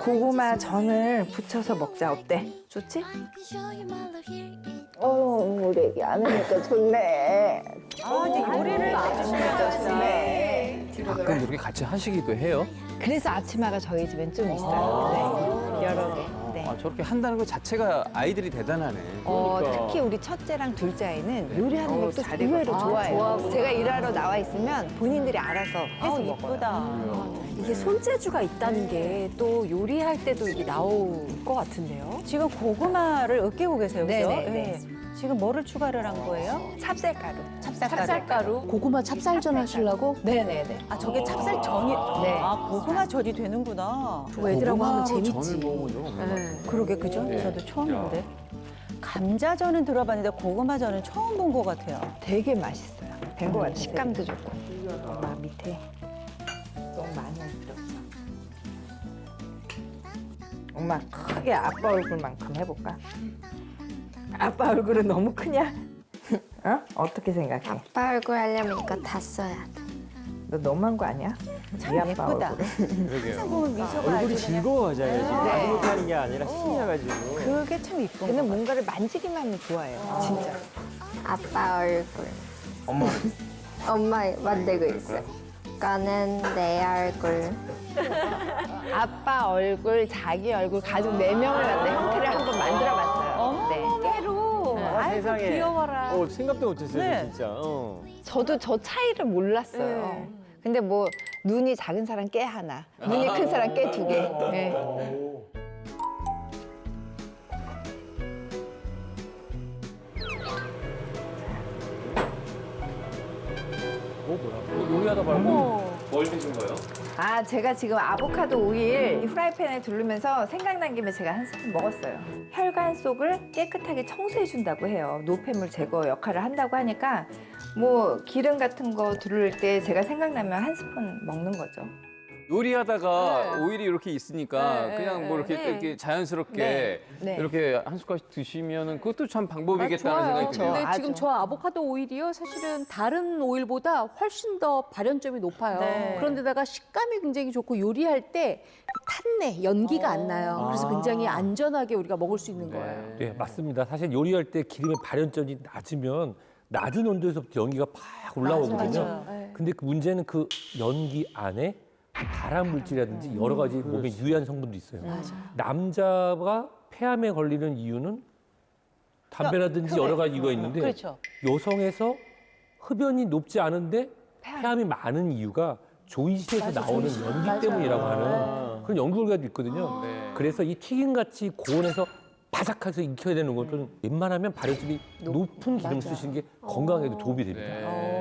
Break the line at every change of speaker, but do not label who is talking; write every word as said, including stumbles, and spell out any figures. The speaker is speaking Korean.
고구마 전을 부쳐서 먹자. 어때? 좋지?
어, 우리 애기 안 하니까 좋네.
아, 이제 요리를 해주시면
좋네.
가끔 그렇게 같이 하시기도 해요?
그래서 아침마가 저희 집엔 좀 있어요. 네. 여러 개. 네.
아, 저렇게 한다는 것 자체가 아이들이 대단하네.
어,
그러니까.
특히 우리 첫째랑 둘째 아이는 요리하는
어,
것도
잘
의외로
익었다.
좋아해요.
좋아하구나.
제가 일하러 나와 있으면 본인들이 알아서 해서
아우,
먹어요.
예쁘다.
이게 손재주가 있다는 게 또 요리할 때도 이게 나올 것 같은데요.
지금 고구마를 으깨고 계세요, 그죠?
네네, 네.
지금 뭐를 추가를 한 거예요?
찹쌀가루.
찹쌀가루.
찹쌀가루. 고구마 찹쌀전 하시려고?
네네네.
아, 저게 찹쌀전이,
네.
아, 고구마 전이 되는구나.
저 애들하고 하면
고구마로
재밌지.
전을 먹어본 적은 없는 것 같아요.
네.
그러게, 그죠?
네.
저도 처음인데. 감자전은 들어봤는데 고구마전은 처음 본 것 같아요.
되게 맛있어요. 된 거 같아요. 식감도 좋고. 엄마 밑에 너무 많이 들었어. 엄마 크게 아빠 얼굴만큼 해볼까? 아빠 얼굴은 너무 크냐? 어? 어떻게 생각해?
아빠 얼굴 하려면 이거 다 써야 돼.
너 너무한 거 아니야? 네 아빠
예쁘다.
얼굴은?
항상 보면 미소가
얼굴이
아주 그냥
즐거워져야지. 나도 못하는 게 아니라 신이 나가지고.
그게 참 이쁜
걔는
거
뭔가를 만지기만 하면 좋아해요. 진짜.
아빠 얼굴.
엄마.
엄마 만들고 있어. 이거는 내 얼굴.
아빠 얼굴, 자기 얼굴, 가족 네 명을 갖다 형태를 한번 만들어봤어요.
어머,
네.
깨로.
아,
아이고,
세상에.
귀여워라.
어, 생각도 못했어요,
네.
진짜. 어.
저도 저 차이를 몰랐어요. 근데 뭐 눈이 작은 사람 깨 하나, 눈이 큰 사람 깨 두 개. 네.
어, 뭐야? 요리하다 말고. 뭘 드신 거예요?
아, 제가 지금 아보카도 오일 이 후라이팬에 두르면서 생각난 김에 제가 한 스푼 먹었어요. 혈관 속을 깨끗하게 청소해준다고 해요. 노폐물 제거 역할을 한다고 하니까 뭐 기름 같은 거 두를 때 제가 생각나면 한 스푼 먹는 거죠.
요리하다가 오일이 이렇게 있으니까
네,
그냥 뭐 이렇게,
네.
이렇게 자연스럽게
네, 네.
이렇게 한 숟갈씩 드시면은 그것도 참 방법이겠다는
좋아요.
생각이 드네요.
근데
아주.
지금 저 아보카도 오일이요, 사실은 다른 오일보다 훨씬 더 발연점이 높아요.
네.
그런데다가 식감이 굉장히 좋고 요리할 때 탄내, 연기가 안 나요. 그래서 굉장히 안전하게 우리가 먹을 수 있는 거예요.
네, 맞습니다. 사실 요리할 때 기름의 발연점이 낮으면 낮은 온도에서부터 연기가 팍 올라오거든요.
맞아요. 네.
근데 그 문제는 그 연기 안에 발암 물질이라든지 여러 가지 몸에 유해한 성분도 있어요. 남자가 폐암에 걸리는 이유는 담배라든지 여러 가지 이유가 있는데
그렇죠.
여성에서 흡연이 높지 않은데 폐암이 많은 이유가 조이신에서 나오는 연기 때문이라고 하는 그런 연구 결과도 있거든요.
네.
그래서 이 튀김같이 고온에서 바삭해서 익혀야 되는 것은 웬만하면 발효질이 높은 기름 쓰시는 게 건강에도 도움이 됩니다.
네.